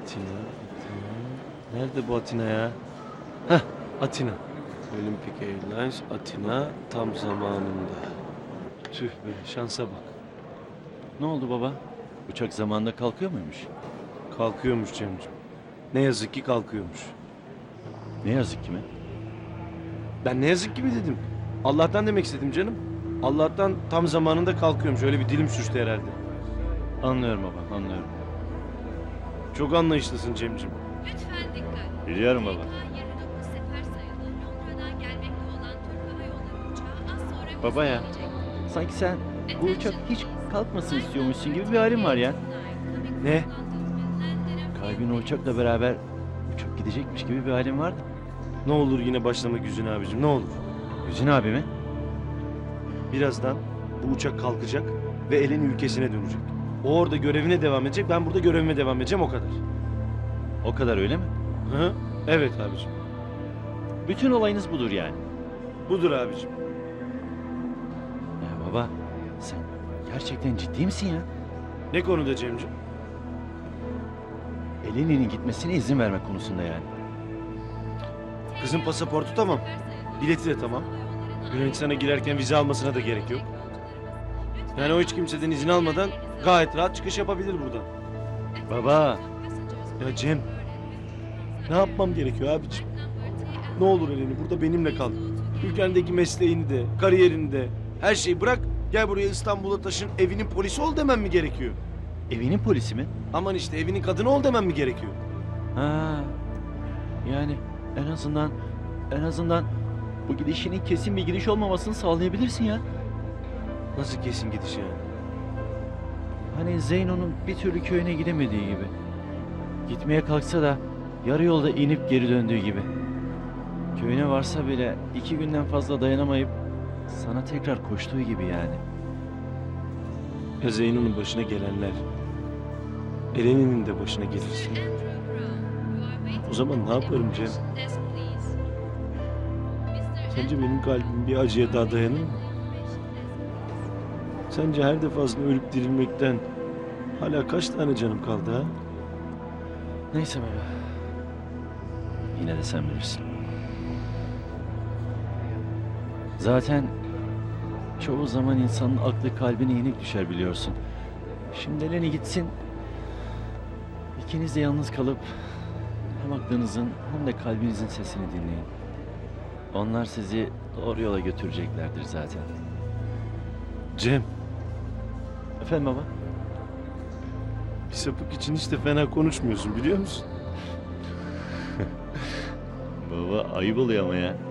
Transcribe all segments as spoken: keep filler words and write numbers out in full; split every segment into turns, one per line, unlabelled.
Atina, Atina. Nerede bu Atina ya? Heh, Atina. Olympic Airlines Atina tam zamanında. Tüh be, şansa bak.
Ne oldu baba? Uçak zamanında kalkıyor muymuş?
Kalkıyormuş Cemciğim. Ne yazık ki kalkıyormuş.
Ne yazık ki mi?
Ben ne yazık ki mi dedim? Allah'tan demek istedim canım. Allah'tan tam zamanında kalkıyormuş. Öyle bir dilim sürçtü herhalde.
Anlıyorum baba, anlıyorum.
Çok anlayışlısın Cemciğim.
Lütfen dikkat.
Biliyorum baba.
M K yirmi dokuz sefer sayılı Londra'dan gelmekte olan Türk Hava Yolları uçağı az sonra
Baba ya,
hızlanacak.
sanki sen bu uçak hiç kalkmasın istiyormuşsun gibi bir halin var ya.
Ne?
Kalbin o uçakla beraber uçup gidecekmiş gibi bir halin vardı.
Ne olur yine başlama Güzin abicim, ne olur.
Güzin abi mi?
Birazdan bu uçak kalkacak ve elin ülkesine dönecek. O orada görevine devam edecek, ben burada görevime devam edeceğim, o kadar.
O kadar öyle mi?
Hı? Evet abicim.
Bütün olayınız budur yani.
Budur abicim.
Ya baba, sen gerçekten ciddi misin ya?
Ne konuda Cemciğim?
Eleni'nin gitmesine izin vermek konusunda yani.
Kızın pasaportu tamam. Bileti de tamam. Yunanistan'a girerken vize almasına da gerek yok. Yani o hiç kimseden izin almadan gayet rahat çıkış yapabilir buradan.
Baba,
Ya Cem, ne yapmam gerekiyor abicim? Ne olur Eleni burada benimle kal. Ülkendeki mesleğini de, kariyerini de, her şeyi bırak. Gel buraya İstanbul'a taşın, evinin polisi ol demem mi gerekiyor?
evinin polisi mi?
Aman işte evinin kadını ol demem mi gerekiyor?
Ha, yani en azından en azından bu gidişinin kesin bir gidiş olmamasını sağlayabilirsin ya.
Nasıl kesin gidiş yani?
Hani Zeyno'nun bir türlü köyüne gidemediği gibi. Gitmeye kalksa da yarı yolda inip geri döndüğü gibi. Köyüne varsa bile iki günden fazla dayanamayıp sana tekrar koştuğu gibi yani.
Ya Zeyno'nun başına gelenler, Eleni'nin de başına gelirse. O zaman ne yaparım Cem? Sence benim kalbim bir acıya daha dayanır mı? Sence her defasında ölüp dirilmekten hala kaç tane canım kaldı ha?
Neyse baba. Yine de sen bilirsin. Zaten çoğu zaman insanın aklı kalbine yenik düşer biliyorsun. Şimdi Eleni gitsin. İkiniz de yalnız kalıp hem aklınızın hem de kalbinizin sesini dinleyin. Onlar sizi doğru yola götüreceklerdir zaten.
Cem,
Efendim baba?
bir sapık için hiç de fena konuşmuyorsun biliyor musun?
Baba ayıp oluyor ama ya.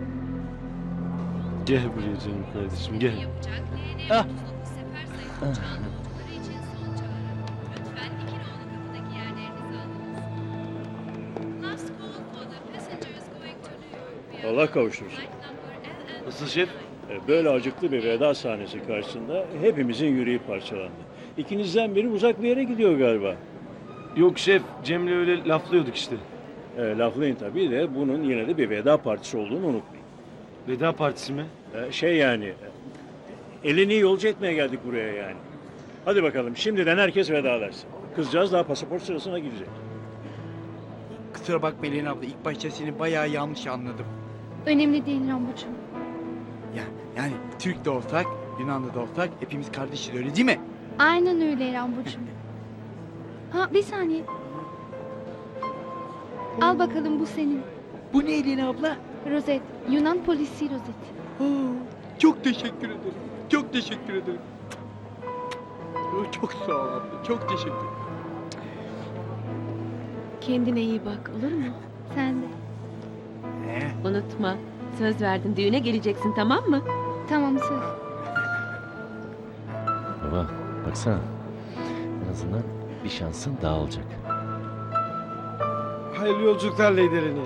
Gel buraya canım kardeşim gel.
Yapacak
Ah.
L N sefer sayılı uçağın yolcuları için son çağrı. Lütfen İkinoğlu kapıdaki yerlerinizi alınız. Last call for the passengers going to New York. via
Allah kavuştursun.
flight number L N
Nasıl şef?
E, Böyle acıklı bir veda sahnesi karşısında hepimizin yüreği parçalandı. İkinizden biri uzak bir yere gidiyor galiba.
Yok şef, Cem'le öyle laflıyorduk işte.
E, laflayın tabii de bunun yine de bir veda partisi olduğunu unutmayın.
Veda partisi mi?
E, şey yani, e, elini yolcu etmeye geldik buraya yani. Hadi bakalım şimdiden herkes vedalaşsın. Kızcağız daha pasaport sırasına gidecek.
Kusura bakma Elin abla, ilk başta seni bayağı yanlış anladım.
Önemli değil Rambocuğum.
Ya yani Türk de olsak, Yunanlı da olsak hepimiz kardeşiz, öyle değil mi?
Aynen öyle Rambocuğum. Ha bir saniye. Al bakalım bu senin.
Bu ne Elin abla?
Rozet. Yunan polisi rozet.
Oo, çok teşekkür ederim. Çok teşekkür ederim. Oo, çok sağ ol abla. Çok teşekkür ederim.
Kendine iyi bak, olur mu?
Sen de.
Ee,
Unutma, söz verdin düğüne geleceksin, tamam mı?
Tamam söz.
Baba baksana. En azından bir şansın daha olacak.
Hayırlı yolculuklar Lady Eleni.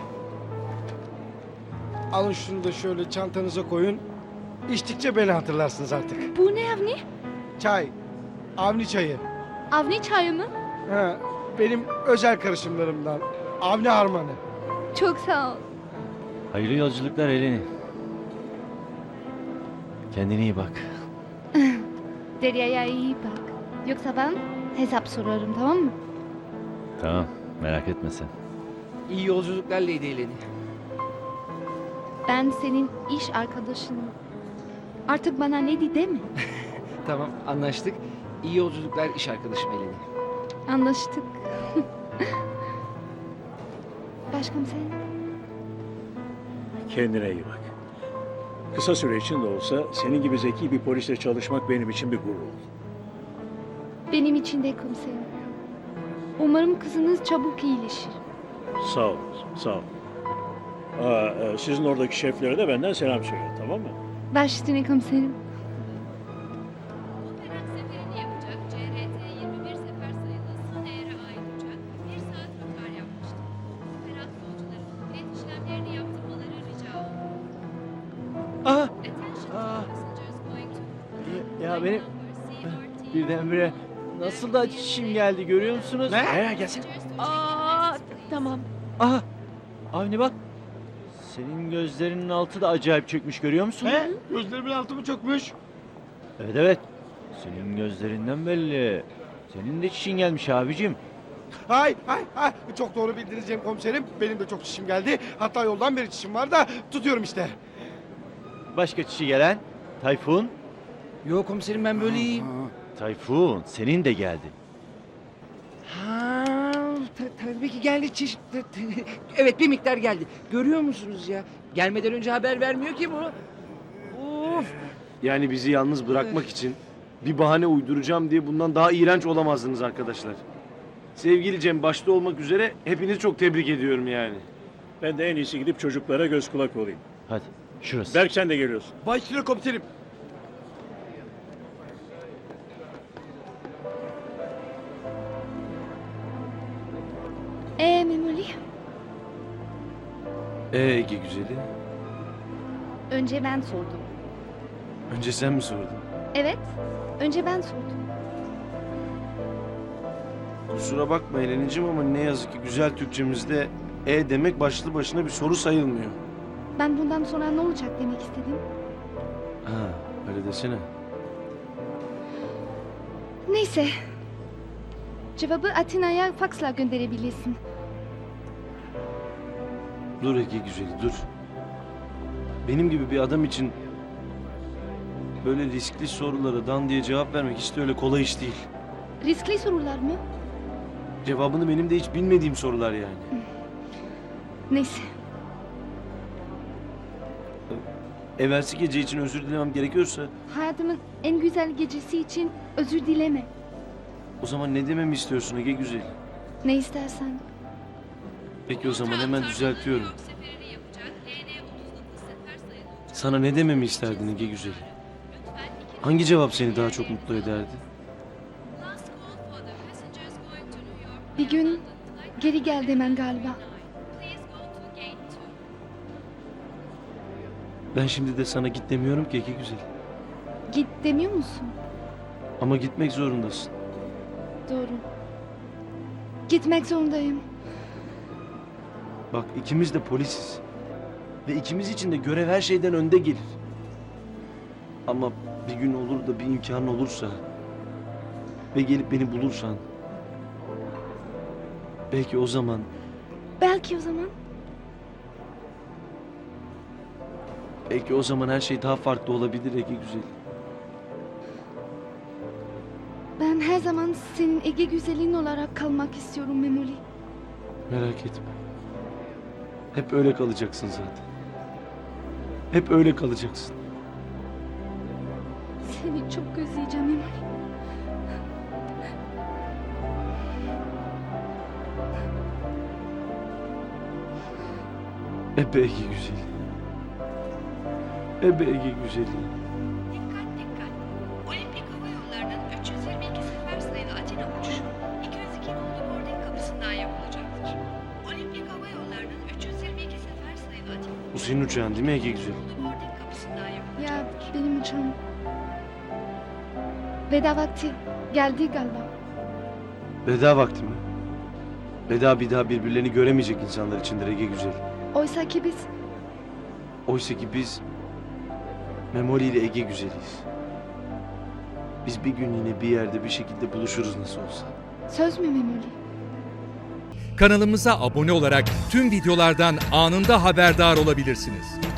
Alın şunu da şöyle çantanıza koyun. İçtikçe beni hatırlarsınız artık.
Bu ne Avni?
Çay. Avni çayı.
Avni çayı mı?
Ha, benim özel karışımlarımdan. Avni harmanı.
Çok sağ ol.
Hayırlı yolculuklar Eleni. Kendine iyi bak.
Derya'ya iyi bak. Yoksa ben hesap sorarım tamam mı?
Tamam. Merak etme sen.
İyi yolculuklar Lady Eleni.
Ben senin iş arkadaşınım. Artık bana Lady deme.
Tamam anlaştık. İyi yolculuklar iş arkadaşım Eleni.
Anlaştık. Başkomiserim.
Kendine iyi bak. Kısa süre için de olsa senin gibi zeki bir polisle çalışmak benim için bir gurur oldu.
Benim için de komiserim. Umarım kızınız çabuk iyileşir.
Sağ ol, sağ ol. Aa, e, sizin oradaki şeflere de benden selam söyle, tamam mı?
Baş üstüne komiserim.
Operat seferini yapacak C R T yirmi bir sefer sayılı Sun Air'e ait uçak bir saat rötar yapmıştı. Operat yolcuların bilet işlemlerini yaptırmaları rica olundu.
Aha!
Attention
Aa.
passengers going to
Ya, ya benim
number C R T
birdenbire nasıl da çişim geldi görüyor musunuz?
Ne? Gelsin.
Aa, tamam.
Aha! Avni bak. Senin gözlerinin altı da acayip çökmüş görüyor musun?
He? Gözlerimin altı mı çökmüş?
Evet evet. Senin gözlerinden belli. Senin de çişin gelmiş abicim.
Hay hay hay. Çok doğru bildiniz Cem komiserim. Benim de çok çişim geldi. Hatta yoldan beri çişim var da tutuyorum işte.
Başka çişi gelen? Tayfun.
Yok komiserim ben böyle iyiyim.
Tayfun senin de geldi.
Ha, ta- tabii ki geldi çeşit. Evet bir miktar geldi. Görüyor musunuz ya? Gelmeden önce haber vermiyor ki bu. Of.
Yani bizi yalnız bırakmak için bir bahane uyduracağım diye bundan daha iğrenç olamazdınız arkadaşlar. Sevgili Cem başta olmak üzere hepinizi çok tebrik ediyorum yani.
Ben de en iyisi gidip çocuklara göz kulak olayım.
Hadi şurası.
Berk sen de geliyorsun.
Başüstüne komiserim.
Ee Memoli,
Ee Ege güzeli.
önce ben sordum.
Önce sen mi sordun?
Evet, önce ben sordum.
Kusura bakma Eleniciğim ama ne yazık ki güzel Türkçemizde e demek başlı başına bir soru sayılmıyor.
Ben bundan sonra ne olacak demek istedim.
Ha, öyle desene.
Neyse. Cevabı Atina'ya faksla gönderebilirsin.
Dur Ege güzeli dur. Benim gibi bir adam için böyle riskli sorulara dan diye cevap vermek hiç de öyle kolay iş değil.
Riskli sorular mı?
Cevabını benim de hiç bilmediğim sorular yani.
Neyse.
Evvelsi gece için özür dilemem gerekiyorsa
Hayatımın en güzel gecesi için özür dileme.
o zaman ne dememi istiyorsun Ege güzeli?
Ne istersen.
Peki o zaman hemen düzeltiyorum.
New York seferini yapacak L N otuz dokuz sefer sayılı uçak
Sana ne dememi isterdin Ege güzeli?
lütfen iki
Hangi cevap seni daha çok mutlu ederdi?
last call for the passengers going to New York
Bir gün
London flight
geri gel demen galiba.
Please go to gate two.
Ben şimdi de sana git demiyorum ki Ege güzeli.
Git demiyor musun?
Ama gitmek zorundasın.
Doğru. Gitmek zorundayım.
Bak ikimiz de polisiz. Ve ikimiz için de görev her şeyden önde gelir. Ama bir gün olur da bir imkan olursa ve gelip beni bulursan belki o zaman
Belki o zaman.
belki o zaman her şey daha farklı olabilir Ege güzel.
Ben her zaman senin Ege güzelin olarak kalmak istiyorum Memoli.
Merak etme. Hep öyle kalacaksın zaten. Hep öyle kalacaksın.
Seni çok özleyeceğim Memoli.
Ebe Ege güzeli. Ebe Ege güzeli.
Dikkat dikkat. Olimpik Hava Yolları'nın üç yüz yirmi iki sefer sayılı Atina uçuşu iki yüz iki nolu boarding kapısından yapılacaktır. Olimpik Hava Yolları'nın üç yüz yirmi iki sefer sayılı Atina
Bu senin uçağın değil mi Ege güzeli?
nolu boarding kapısından
Ya
yapılacaktır.
benim uçağım. Veda vakti geldi galiba.
Veda vakti mi? Veda bir daha birbirlerini göremeyecek insanlar içindir Ege güzel.
Oysa ki biz
Oysa ki biz Memoli ile Ege güzeliyiz. Biz bir gün yine bir yerde bir şekilde buluşuruz nasıl olsa.
söz mü Memoli?
Kanalımıza abone olarak tüm videolardan anında haberdar olabilirsiniz.